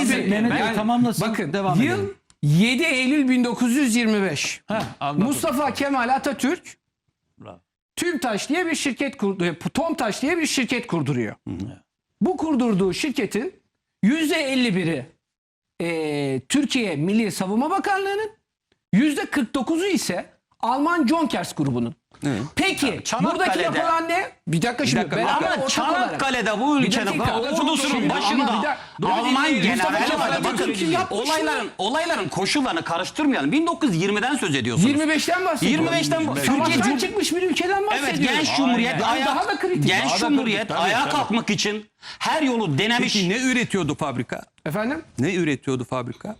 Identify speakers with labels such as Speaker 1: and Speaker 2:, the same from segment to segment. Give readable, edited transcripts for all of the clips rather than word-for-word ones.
Speaker 1: Mehmet Bey tamamlasın.
Speaker 2: Bakın
Speaker 1: devam
Speaker 2: yıl
Speaker 1: edelim.
Speaker 2: 7 Eylül 1925.
Speaker 1: Anladım.
Speaker 2: Mustafa Kemal Atatürk
Speaker 1: Bravo.
Speaker 2: TÜMTAŞ diye bir şirket kurdu. TOMTAŞ diye bir şirket kurduruyor. Bu kurdurduğu şirketin %51'i Türkiye Milli Savunma Bakanlığı'nın, %49'u ise Alman Jonkers grubunun.
Speaker 3: Evet.
Speaker 2: Peki buradaki yapılan ne? Bir dakika şimdi.
Speaker 4: Ama Çanakkale'de bu ülkenin ordusunun başında Alman generali vardı. Bakın olayların koşullarını karıştırmayalım. 1920'den söz ediyorsunuz.
Speaker 2: 25'ten bahsediyorum.
Speaker 4: 25'ten
Speaker 2: Savaştan çıkmış bir ülkeden bahsediyorum.
Speaker 4: Evet, genç cumhuriyet
Speaker 2: daha da kritik.
Speaker 4: genç cumhuriyet ayağa kalkmak için her yolu denemiş.
Speaker 3: Peki ne üretiyordu fabrika?
Speaker 2: Efendim?
Speaker 3: Ne üretiyordu fabrika?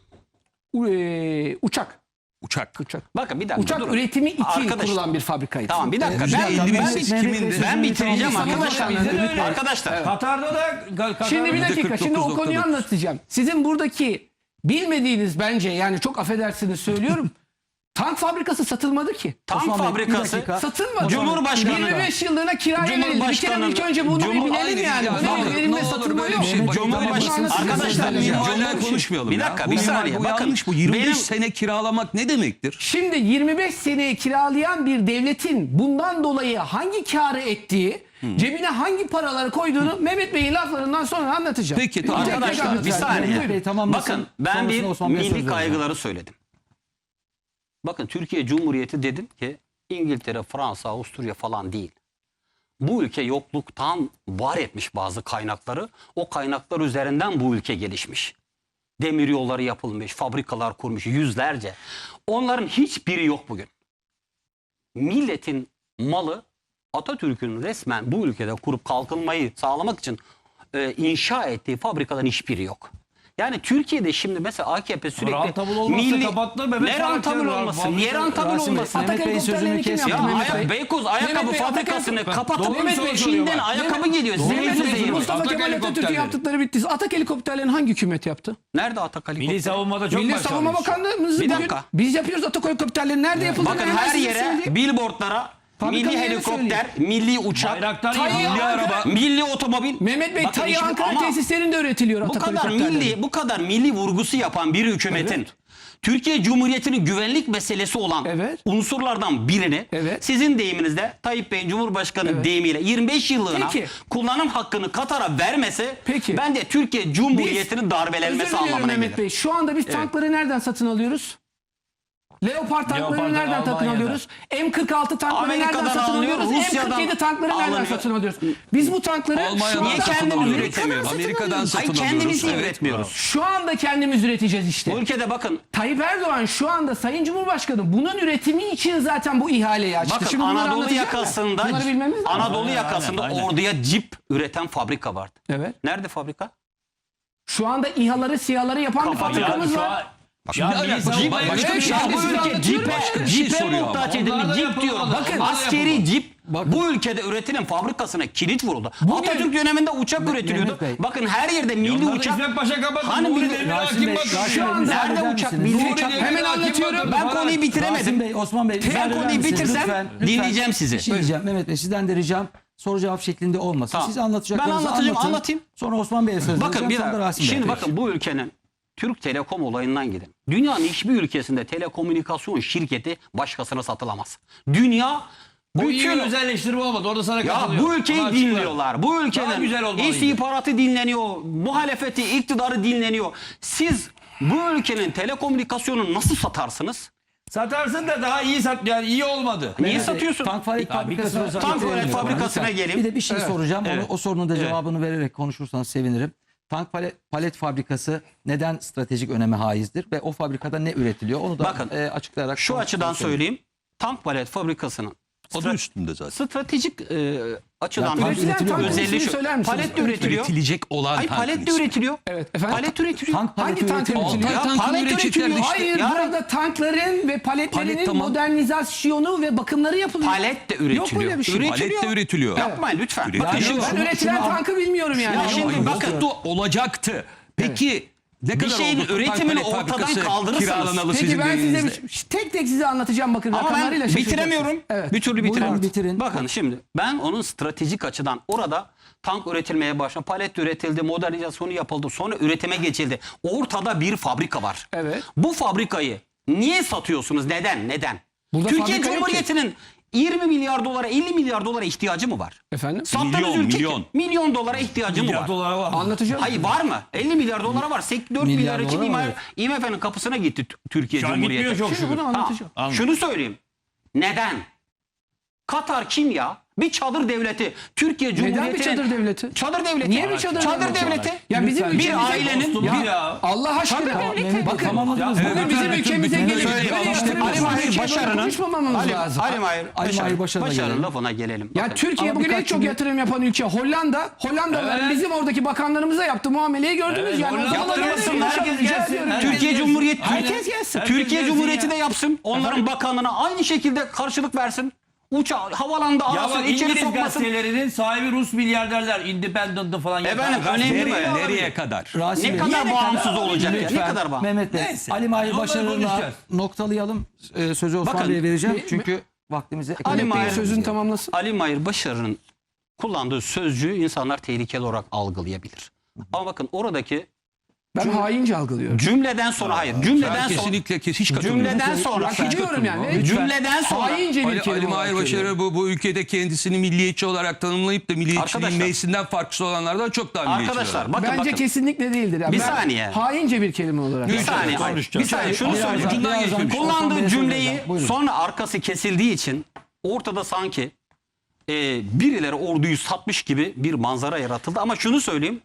Speaker 2: Uçak.
Speaker 3: Uçak.
Speaker 4: Bakın bir dakika.
Speaker 2: Uçak
Speaker 4: durun.
Speaker 2: üretimi için
Speaker 4: Arkadaş,
Speaker 2: kurulan bir fabrikaydı.
Speaker 4: Tamam bir dakika. Ben bitireceğim arkadaşlar.
Speaker 1: Katar'da da
Speaker 2: Şimdi bir dakika. Şimdi o konuyu
Speaker 3: 49.9.
Speaker 2: anlatacağım. Sizin buradaki bilmediğiniz bence, yani çok affedersiniz söylüyorum. Tank fabrikası satılmadı ki.
Speaker 4: Tank
Speaker 1: Osman Bey, bir
Speaker 4: fabrikası
Speaker 1: dakika.
Speaker 2: Satılmadı.
Speaker 4: Cumhurbaşkanı-
Speaker 2: 25 yıllığına kiraya verildi. Bir kere ilk önce bunu bir bilelim yani. Öyle verilme satılma yok.
Speaker 4: Cumhurbaşkanı arkadaşlar
Speaker 3: Minvalden konuşmayalım.
Speaker 4: bir dakika
Speaker 3: ya.
Speaker 4: bir
Speaker 3: Bu
Speaker 4: saniye.
Speaker 3: bu
Speaker 4: Bakın
Speaker 3: yanlış bu. 25
Speaker 4: benim
Speaker 3: sene kiralamak ne demektir?
Speaker 2: Şimdi 25 seneye kiralayan bir devletin bundan dolayı hangi kârı ettiği, cebine hangi paraları koyduğunu Mehmet Bey'in laflarından sonra anlatacağım.
Speaker 3: Peki, tamam.
Speaker 2: Tek tek
Speaker 4: arkadaşlar bir
Speaker 2: anlatacağım.
Speaker 4: saniye.
Speaker 1: Mehmet Bey tamamlasın.
Speaker 4: Bakın ben bir
Speaker 1: Sonrasında Osman Bey'e söz
Speaker 4: milli
Speaker 1: vereceğim.
Speaker 4: kaygıları söyledim. Bakın Türkiye Cumhuriyeti dedim ki İngiltere, Fransa, Avusturya falan değil. Bu ülke yokluktan var etmiş bazı kaynakları. O kaynaklar üzerinden bu ülke gelişmiş. Demir yolları yapılmış, fabrikalar kurmuş yüzlerce. Onların hiçbiri yok bugün. Milletin malı Atatürk'ün resmen bu ülkede kurup kalkınmayı sağlamak için inşa ettiği fabrikaların hiçbiri yok. Yani Türkiye'de şimdi mesela AKP sürekli
Speaker 1: Rantabıl olmazsa kapattılar, Mehmet
Speaker 4: ne rantabıl
Speaker 1: Faruk ya.
Speaker 4: olmasın? Niye rantabıl
Speaker 1: Rasim Bey,
Speaker 4: olmasın?
Speaker 1: Mehmet Bey'in sözünü kes.
Speaker 4: Ya
Speaker 2: Mehmet Bey.
Speaker 4: Beykoz ayakkabı
Speaker 2: Mehmet Bey,
Speaker 4: fabrikasını kapatıp
Speaker 1: doğru
Speaker 4: Mehmet Bey
Speaker 1: soru
Speaker 4: Çin'den
Speaker 1: soruyor bak.
Speaker 4: ayakkabı geliyor.
Speaker 2: Mehmet Bey,
Speaker 4: Zehir.
Speaker 2: Mustafa Kemal Atatürk'ün
Speaker 1: helikopterleri.
Speaker 2: yaptıkları bitti. Atak helikopterlerini hangi hükümet yaptı?
Speaker 4: Nerede Atak
Speaker 1: Milli
Speaker 4: helikopter?
Speaker 1: savunmada çok
Speaker 2: Milli Savunma
Speaker 1: başarılıyız.
Speaker 2: Bakanlığımız
Speaker 4: Bir
Speaker 2: bugün
Speaker 4: dakika.
Speaker 2: biz yapıyoruz Atak helikopterleri. Nerede yapıldı?
Speaker 4: Bakın
Speaker 2: Hemen
Speaker 4: her
Speaker 2: size
Speaker 4: yere
Speaker 2: söyleyeyim.
Speaker 4: billboardlara
Speaker 2: Fabrikanın
Speaker 4: milli
Speaker 2: yerini
Speaker 4: helikopter, milli uçak,
Speaker 1: Bayraktar
Speaker 2: Tayyip
Speaker 1: milli
Speaker 2: Ankara-
Speaker 1: araba.
Speaker 4: milli otomobil.
Speaker 2: Mehmet Bey,
Speaker 4: Bakın
Speaker 2: Tayyip
Speaker 4: şimdi
Speaker 2: Ankara
Speaker 4: ama
Speaker 2: tesislerinde üretiliyor
Speaker 4: bu
Speaker 2: Atak
Speaker 4: kadar
Speaker 2: helikopterleri.
Speaker 4: bu kadar milli vurgusu yapan bir hükümetin
Speaker 2: Evet.
Speaker 4: Türkiye Cumhuriyeti'nin güvenlik meselesi olan
Speaker 2: Evet.
Speaker 4: unsurlardan birini
Speaker 2: Evet.
Speaker 4: sizin deyiminizde Tayyip Bey'in Cumhurbaşkanı
Speaker 2: Evet.
Speaker 4: deyimiyle 25 yıllığına
Speaker 2: Peki.
Speaker 4: kullanım hakkını Katar'a vermesi
Speaker 2: Peki.
Speaker 4: bence Türkiye Cumhuriyeti'nin darbelenmesi
Speaker 2: Özür diliyorum
Speaker 4: anlamına
Speaker 2: Mehmet
Speaker 4: gelir.
Speaker 2: Bey. Şu anda biz tankları nereden satın alıyoruz? Leopard tankları
Speaker 1: Leopard'ı
Speaker 2: nereden satın
Speaker 1: Almanya'dan.
Speaker 2: alıyoruz? M46 tankları
Speaker 4: Amerika'dan
Speaker 2: nereden satın
Speaker 4: alınıyor,
Speaker 2: alıyoruz?
Speaker 4: Rusya'dan
Speaker 2: M47 tankları nereden
Speaker 4: alınıyor.
Speaker 2: satın alıyoruz? Biz bu tankları
Speaker 3: Almanya'dan
Speaker 4: Niye
Speaker 3: satın
Speaker 4: kendimiz
Speaker 3: alıyoruz.
Speaker 4: üretemiyoruz?
Speaker 3: Amerika'dan
Speaker 4: Hayır
Speaker 3: satın alıyoruz.
Speaker 4: kendimiz
Speaker 3: Evet,
Speaker 4: üretmiyoruz.
Speaker 2: şu anda kendimiz üreteceğiz işte.
Speaker 4: Bu ülkede bakın
Speaker 2: Tayyip Erdoğan şu anda Sayın Cumhurbaşkanı bunun üretimi için zaten bu ihaleyi açtı.
Speaker 4: Bakın
Speaker 2: Şimdi bunları
Speaker 4: Anadolu
Speaker 2: anlatacağım ya.
Speaker 4: yakasında
Speaker 2: Bunları bilmemiz lazım.
Speaker 4: Anadolu yakasında
Speaker 1: aynen.
Speaker 4: orduya cip üreten fabrika vardı.
Speaker 2: Evet.
Speaker 4: Nerede fabrika?
Speaker 2: Şu anda İHA'ları, SİHA'ları yapan bir fabrikamız var.
Speaker 1: Ya
Speaker 3: Şimdi
Speaker 1: milli
Speaker 3: bak,
Speaker 1: savunma
Speaker 3: başka bir şey
Speaker 4: Ya bu
Speaker 2: Size
Speaker 4: ülke
Speaker 2: anlatıyorum.
Speaker 4: cipe,
Speaker 3: Başka bir şey
Speaker 4: cipe
Speaker 3: soruyor ama.
Speaker 4: muhtaç edildi.
Speaker 1: Onlar da
Speaker 4: Cip
Speaker 1: yapılmadı.
Speaker 4: diyorum.
Speaker 1: Bakın,
Speaker 4: Bakın
Speaker 1: onlar da
Speaker 4: askeri
Speaker 1: yapılmadı.
Speaker 4: cip bu ülkede üretilen fabrikasına kilit vuruldu.
Speaker 2: Bugün-
Speaker 4: Atatürk döneminde uçak üretiliyordu.
Speaker 1: Bey.
Speaker 4: Bakın her yerde milli
Speaker 1: Onlar da
Speaker 4: uçak.
Speaker 1: İsmet Paşa kapattı.
Speaker 4: Hani
Speaker 1: Nuri
Speaker 4: milli-
Speaker 1: Demirel Rasim hakim Bey, bakıyor.
Speaker 2: şu anda
Speaker 4: Nerede
Speaker 2: eder
Speaker 4: uçak?
Speaker 2: misiniz?
Speaker 4: Milli
Speaker 1: Nuri
Speaker 4: uçak.
Speaker 1: Demirel
Speaker 2: Hemen
Speaker 1: hakim
Speaker 2: anlatıyorum.
Speaker 1: bakıyor.
Speaker 4: Ben konuyu bitiremedim.
Speaker 1: Rasim Bey, Osman Bey. müsaade eder
Speaker 4: konuyu
Speaker 1: misiniz?
Speaker 4: bitirsem dinleyeceğim sizi.
Speaker 1: Bir şey diyeceğim Mehmet Bey, sizden de ricam soru cevap şeklinde olmasın.
Speaker 4: Tamam.
Speaker 1: Siz anlatacaklarınızı
Speaker 4: Ben anlatacağım,
Speaker 1: anlatın.
Speaker 4: anlatayım.
Speaker 1: Sonra Osman Bey'e söz
Speaker 4: Bakın
Speaker 1: vereceğim.
Speaker 4: bir
Speaker 1: Sonra da
Speaker 4: dakika.
Speaker 1: Rasim Bey'e.
Speaker 4: Şimdi bakın bu ülkenin Türk Telekom olayından gidin. Dünyanın hiçbir ülkesinde telekomünikasyon şirketi başkasına satılamaz. Dünya
Speaker 1: Bu iyi
Speaker 4: bütün
Speaker 1: bir özelleştirme olmadı. Orada sana
Speaker 4: ya
Speaker 1: katılıyorum.
Speaker 4: bu ülkeyi
Speaker 1: Ama açıklar.
Speaker 4: dinliyorlar. Bu
Speaker 1: Daha
Speaker 4: ülkenin
Speaker 1: güzel olmalıydı.
Speaker 4: istihbaratı dinleniyor. Muhalefeti, iktidarı dinleniyor. Siz bu ülkenin telekomünikasyonunu nasıl satarsınız?
Speaker 1: Satarsın da daha iyi sat, yani iyi olmadı.
Speaker 4: Niye
Speaker 1: Mehmet Bey,
Speaker 4: satıyorsun?
Speaker 1: Tank fabrikasına
Speaker 4: Tank fabrikasına
Speaker 1: Lütfen.
Speaker 4: geleyim.
Speaker 1: Bir de bir şey soracağım.
Speaker 4: Evet.
Speaker 1: O sorunun da cevabını vererek konuşursanız sevinirim. Tank palet fabrikası neden stratejik öneme haizdir ve o fabrikada ne üretiliyor? Onu da
Speaker 4: Bakın,
Speaker 1: açıklayarak
Speaker 4: Şu açıdan söyleyeyim. Tank palet fabrikasının
Speaker 3: Adı üstünde zaten.
Speaker 4: stratejik açıdan
Speaker 1: Ya, tank
Speaker 2: Üretilen
Speaker 1: üretiliyor mu?
Speaker 2: tankın
Speaker 4: özelliği
Speaker 2: ismini
Speaker 4: şu.
Speaker 2: söyler misiniz?
Speaker 4: Palet de üretiliyor.
Speaker 3: Üretilecek olan
Speaker 4: Hayır
Speaker 3: tankın
Speaker 4: palet de
Speaker 3: ismi.
Speaker 4: üretiliyor.
Speaker 2: Evet efendim.
Speaker 4: Palet üretiliyor.
Speaker 1: Tank paleti
Speaker 2: Hangi tank
Speaker 1: üretiliyor.
Speaker 2: üretiliyor?
Speaker 4: Ya
Speaker 3: tankını
Speaker 4: palet
Speaker 3: üretecekler
Speaker 4: üretiliyor.
Speaker 3: işte.
Speaker 2: Hayır,
Speaker 4: Ya-
Speaker 2: burada tankların ve paletlerinin
Speaker 3: Palet tamam.
Speaker 2: modernizasyonu ve bakımları yapılıyor.
Speaker 4: Palet de üretiliyor.
Speaker 2: Yok öyle bir şey.
Speaker 3: Palet de üretiliyor.
Speaker 4: Yapmayın lütfen.
Speaker 3: Üretiliyor.
Speaker 4: Bakın
Speaker 1: Yani
Speaker 4: şimdi
Speaker 1: yok.
Speaker 2: Ben üretilen
Speaker 1: şunu-
Speaker 2: tankı bilmiyorum yani.
Speaker 4: Ya
Speaker 2: Yok.
Speaker 4: şimdi
Speaker 3: Hayır,
Speaker 4: bakın.
Speaker 3: olacaktı. Peki Ne
Speaker 4: bir
Speaker 3: kadar
Speaker 4: şeyin
Speaker 3: oldu Tankpalet
Speaker 4: üretimini ortadan
Speaker 3: fabrikası
Speaker 4: kaldırırsınız.
Speaker 3: kiralanalı
Speaker 2: Peki
Speaker 3: sizin
Speaker 2: ben size
Speaker 3: deyiminizle?
Speaker 2: tek tek size anlatacağım bakın
Speaker 4: Ama ben
Speaker 2: rakamlarıyla şaşıracaksınız.
Speaker 4: bitiremiyorum.
Speaker 2: Evet.
Speaker 4: Bir türlü
Speaker 1: Buyurun,
Speaker 4: bitiremiyorum.
Speaker 1: bitirin.
Speaker 4: Bakın şimdi ben onun stratejik açıdan orada tank üretilmeye başladı. Palet üretildi, modernizasyonu yapıldı. Sonra üretime geçildi. Ortada bir fabrika var.
Speaker 2: Evet.
Speaker 4: Bu fabrikayı niye satıyorsunuz? Neden?
Speaker 2: Burada
Speaker 4: Türkiye
Speaker 2: fabrika yok
Speaker 4: Cumhuriyeti'nin 20 milyar dolara, 50 milyar dolara ihtiyacı mı var?
Speaker 2: Efendim?
Speaker 4: Sattığınız milyon dolara ihtiyacı mı var?
Speaker 2: Anlatacağım.
Speaker 4: Hayır var mı? 50 milyar dolara var. 4
Speaker 1: Milyar
Speaker 4: milyar için
Speaker 1: dolar var,
Speaker 4: IMF'nin kapısına gitti Türkiye
Speaker 5: Şu an
Speaker 4: Cumhuriyeti.
Speaker 5: gitmiyor çok
Speaker 2: Şimdi bunu
Speaker 5: şükür.
Speaker 2: anlatacağım.
Speaker 4: Ha, şunu söyleyeyim. Neden? Katar kim ya? Bir çadır devleti. Türkiye
Speaker 2: Neden
Speaker 4: Cumhuriyeti'nin...
Speaker 2: bir çadır devleti?
Speaker 4: Çadır devleti.
Speaker 2: Niye bir çadır
Speaker 4: devleti?
Speaker 2: Ya bizim
Speaker 5: Lütfen.
Speaker 2: ülkemize
Speaker 4: Bir ailenin-
Speaker 5: Dostum,
Speaker 2: ya, Allah aşkına.
Speaker 1: Mehmet Bey,
Speaker 2: Bakın
Speaker 1: tamamladınız mı?
Speaker 2: bugün bizim ülkemize gelip
Speaker 4: Söyleyeyim.
Speaker 2: böyle
Speaker 4: İşte
Speaker 2: yatırım
Speaker 4: Ali
Speaker 2: yapan
Speaker 4: Mahir
Speaker 2: ülkeye
Speaker 4: Başarı'nın-
Speaker 2: böyle konuşmamamız lazım.
Speaker 4: Ali Mahir
Speaker 1: Başarı'na
Speaker 4: Başarı'nın
Speaker 1: gelelim.
Speaker 4: lafına gelelim.
Speaker 2: Ya
Speaker 4: Bakın.
Speaker 2: Türkiye
Speaker 1: Ama
Speaker 2: bugün en
Speaker 1: birkaç
Speaker 2: çok
Speaker 1: cümle-
Speaker 2: yatırım yapan ülke Hollanda. Hollandalılar
Speaker 5: Evet.
Speaker 2: bizim oradaki bakanlarımıza yaptığı muameleyi gördünüz
Speaker 5: Evet,
Speaker 2: yani.
Speaker 5: Hollanda
Speaker 2: Onlarla
Speaker 4: yaptırsın,
Speaker 2: konuşalım,
Speaker 5: herkes
Speaker 2: rica
Speaker 5: gelsin.
Speaker 2: ediyorum.
Speaker 5: Herkes
Speaker 4: Türkiye
Speaker 5: gelsin.
Speaker 4: Cumhuriyeti
Speaker 2: Herkes gelsin.
Speaker 5: Herkes
Speaker 4: Türkiye
Speaker 5: gelsin
Speaker 4: Cumhuriyeti
Speaker 5: ya.
Speaker 4: de yapsın. Onların bakanına aynı şekilde karşılık versin. Havalanda
Speaker 5: Ya
Speaker 4: arasın,
Speaker 5: bak
Speaker 4: içeri
Speaker 5: İngiliz
Speaker 4: sokmasın.
Speaker 5: gazetelerinin sahibi Rus milyarderler. Independent'ı falan
Speaker 4: Efendim,
Speaker 5: yapan
Speaker 4: önemli
Speaker 5: gazeteleri-
Speaker 4: mi?
Speaker 3: Nereye kadar?
Speaker 1: Rasim
Speaker 4: Ne
Speaker 1: Bey,
Speaker 4: kadar bağımsız olacak ya? Ne
Speaker 1: lütfen
Speaker 4: kadar bağımsız?
Speaker 1: Mehmet Bey,
Speaker 5: Neyse.
Speaker 1: Ali Mahir
Speaker 5: Onları
Speaker 1: Başarı'na
Speaker 5: konuşacağız.
Speaker 1: noktalayalım. Sözü Osman
Speaker 4: Bakın,
Speaker 1: Bey'e vereceğim. Çünkü vaktimizi
Speaker 4: Ali
Speaker 2: Mehmet Bey
Speaker 4: Mahir-
Speaker 2: sözünü tamamlasın.
Speaker 4: Ali Mahir Başarı'nın kullandığı sözcüğü insanlar tehlikeli olarak algılayabilir. Ama bakın oradaki
Speaker 2: Ben haince algılıyorum.
Speaker 4: cümleden sonra
Speaker 3: Ben
Speaker 4: cümleden sonra
Speaker 3: kesinlikle hiç katılmıyorum.
Speaker 4: cümleden sonra
Speaker 2: Hak ediyorum yani.
Speaker 4: cümleden sonra
Speaker 2: Haince bir
Speaker 3: Ali
Speaker 2: kelime
Speaker 3: Mahir
Speaker 2: olarak
Speaker 3: Başarı
Speaker 2: görüyorum.
Speaker 3: bu ülkede kendisini milliyetçi olarak tanımlayıp da milliyetçiliğin
Speaker 4: Arkadaşlar-
Speaker 3: meclisinden farksız olanlardan çok daha milliyetçi.
Speaker 4: arkadaşlar bakın
Speaker 2: Bence
Speaker 4: bakın.
Speaker 2: kesinlikle değildir. Yani
Speaker 4: Bir
Speaker 2: ben
Speaker 4: saniye.
Speaker 2: Haince bir kelime olarak.
Speaker 4: Bir saniye.
Speaker 5: konuşacağız.
Speaker 4: Bir saniye şunu
Speaker 1: Birazdan-
Speaker 4: söyleyeyim.
Speaker 3: Ucundan
Speaker 1: birazdan
Speaker 3: geçmemiş.
Speaker 1: Osman Bey'e
Speaker 4: Kullandığı
Speaker 1: söz
Speaker 4: cümleyi
Speaker 1: vereceğim. Buyurun.
Speaker 4: sonra arkası kesildiği için ortada sanki birileri orduyu satmış gibi bir manzara yaratıldı. Ama şunu söyleyeyim.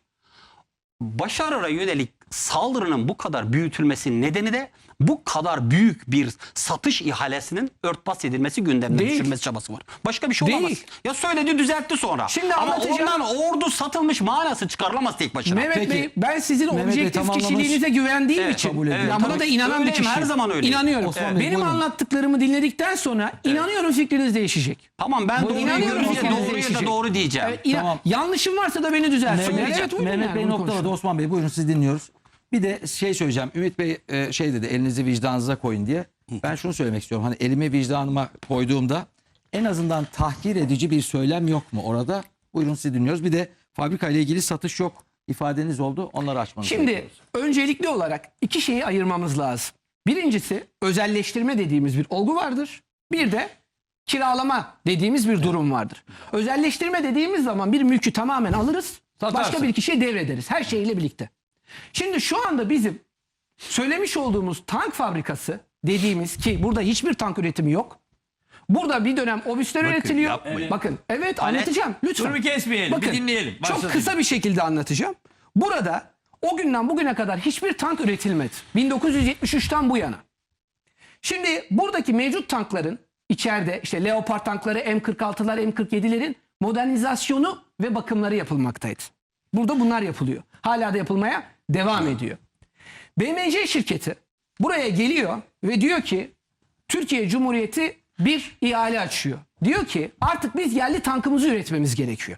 Speaker 4: Başarı'ya yönelik saldırının bu kadar büyütülmesinin nedeni de bu kadar büyük bir satış ihalesinin örtbas edilmesi, gündemden
Speaker 2: Değil.
Speaker 4: düşürmesi çabası var. Başka bir şey
Speaker 2: Değil.
Speaker 4: olamaz. Ya söyledi, düzeltti sonra.
Speaker 2: Şimdi
Speaker 4: ama
Speaker 2: anlatacağım.
Speaker 4: ondan ordu satılmış manası çıkarılamaz tek başına.
Speaker 2: Mehmet
Speaker 1: Peki.
Speaker 2: Bey, ben sizin
Speaker 1: Mehmet Bey
Speaker 2: objektif
Speaker 1: tamamlamış.
Speaker 2: kişiliğinize güvendiğim
Speaker 4: Evet,
Speaker 2: için
Speaker 1: kabul ediyorum.
Speaker 2: ben buna da inanan bir
Speaker 4: Öyleyim,
Speaker 2: kişiyim.
Speaker 4: her zaman öyleyim.
Speaker 2: İnanıyorum.
Speaker 1: Osman Bey,
Speaker 2: Benim
Speaker 1: buyurun.
Speaker 2: anlattıklarımı dinledikten sonra inanıyorum fikriniz değişecek.
Speaker 4: Tamam, ben doğruyu
Speaker 2: inanıyorum
Speaker 4: görünce
Speaker 2: fikriniz
Speaker 4: doğruyu da
Speaker 2: değişecek.
Speaker 4: doğru diyeceğim.
Speaker 1: Tamam.
Speaker 2: Yanlışım varsa da beni düzelsin.
Speaker 1: Mehmet,
Speaker 2: buyurun
Speaker 1: Mehmet
Speaker 2: yani,
Speaker 1: Bey
Speaker 2: bunu
Speaker 1: noktaladı.
Speaker 2: konuşalım.
Speaker 1: Osman Bey buyurun sizi dinliyoruz. Bir de şey söyleyeceğim. Ümit Bey şey dedi, elinizi vicdanınıza koyun diye. Ben şunu söylemek istiyorum. Hani elimi vicdanıma koyduğumda en azından tahkir edici bir söylem yok mu orada? Buyurun sizi dinliyoruz. Bir de fabrika ile ilgili satış yok ifadeniz oldu. Onları açmanızı
Speaker 2: Şimdi
Speaker 1: bekliyoruz.
Speaker 2: öncelikli olarak iki şeyi ayırmamız lazım. Birincisi özelleştirme dediğimiz bir olgu vardır. Bir de kiralama dediğimiz bir durum vardır. Özelleştirme dediğimiz zaman bir mülkü tamamen alırız.
Speaker 5: Satarsın.
Speaker 2: Başka bir kişiye devrederiz. Her şeyle birlikte. Şimdi şu anda bizim söylemiş olduğumuz tank fabrikası dediğimiz, ki burada hiçbir tank üretimi yok. Burada bir dönem obüsler üretiliyor.
Speaker 3: yapmayın.
Speaker 2: Bakın evet anlatacağım lütfen.
Speaker 5: Dur bir kesmeyelim.
Speaker 2: Bakın,
Speaker 5: bir dinleyelim.
Speaker 2: çok
Speaker 5: Başladı.
Speaker 2: kısa bir şekilde anlatacağım. Burada o günden bugüne kadar hiçbir tank üretilmedi. 1973'ten bu yana. Şimdi buradaki mevcut tankların içeride işte Leopard tankları, M46'lar, M47'lerin modernizasyonu ve bakımları yapılmaktaydı. Burada bunlar yapılıyor. Hala da yapılmaya devam ediyor. BMC şirketi buraya geliyor ve diyor ki Türkiye Cumhuriyeti bir ihale açıyor. Diyor ki artık biz yerli tankımızı üretmemiz gerekiyor.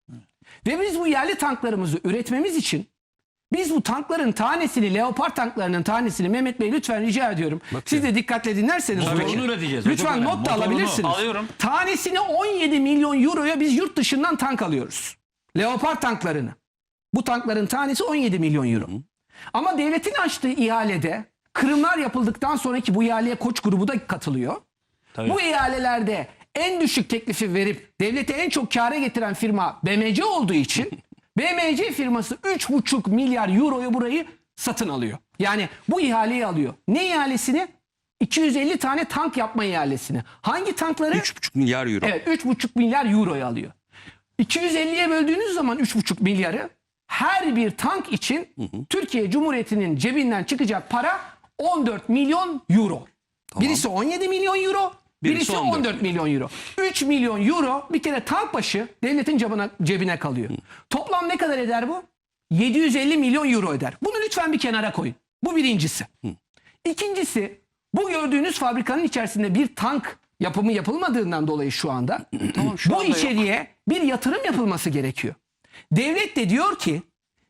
Speaker 2: Ve biz bu yerli tanklarımızı üretmemiz için biz bu tankların tanesini, Leopard tanklarının tanesini, Mehmet Bey lütfen rica ediyorum. Siz de dikkatle dinlerseniz.
Speaker 5: Motorunu
Speaker 2: bunu.
Speaker 5: üreteceğiz. O çok
Speaker 2: Lütfen
Speaker 5: önemli.
Speaker 2: not da
Speaker 5: Motorunu
Speaker 2: alabilirsiniz.
Speaker 4: alıyorum.
Speaker 2: Tanesini 17 milyon euroya biz yurt dışından tank alıyoruz. Leopard tanklarını. Bu tankların tanesi 17 milyon euro. Ama devletin açtığı ihalede kırımlar yapıldıktan sonraki bu ihaleye Koç grubu da katılıyor.
Speaker 5: Tabii.
Speaker 2: Bu ihalelerde en düşük teklifi verip devlete en çok kâra getiren firma BMC olduğu için BMC firması 3,5 milyar euroya burayı satın alıyor. Yani bu ihaleyi alıyor. Ne ihalesini? 250 tane tank yapma ihalesini. Hangi tankları?
Speaker 3: 3,5 milyar euro.
Speaker 2: Evet 3,5 milyar euroya alıyor. 250'ye böldüğünüz zaman 3,5 milyarı her bir tank için Türkiye Cumhuriyeti'nin cebinden çıkacak para 14 milyon euro. Birisi 17 milyon euro, birisi 14 milyon euro. 3 milyon euro bir kere tank başı devletin cebine kalıyor. Toplam ne kadar eder bu? 750 milyon euro eder. Bunu lütfen bir kenara koyun. Bu birincisi. İkincisi, bu gördüğünüz fabrikanın içerisinde bir tank yapımı yapılmadığından dolayı şu anda
Speaker 4: Tamam, şu
Speaker 2: bu
Speaker 4: anda yok.
Speaker 2: içeriye bir yatırım yapılması gerekiyor. Devlet de diyor ki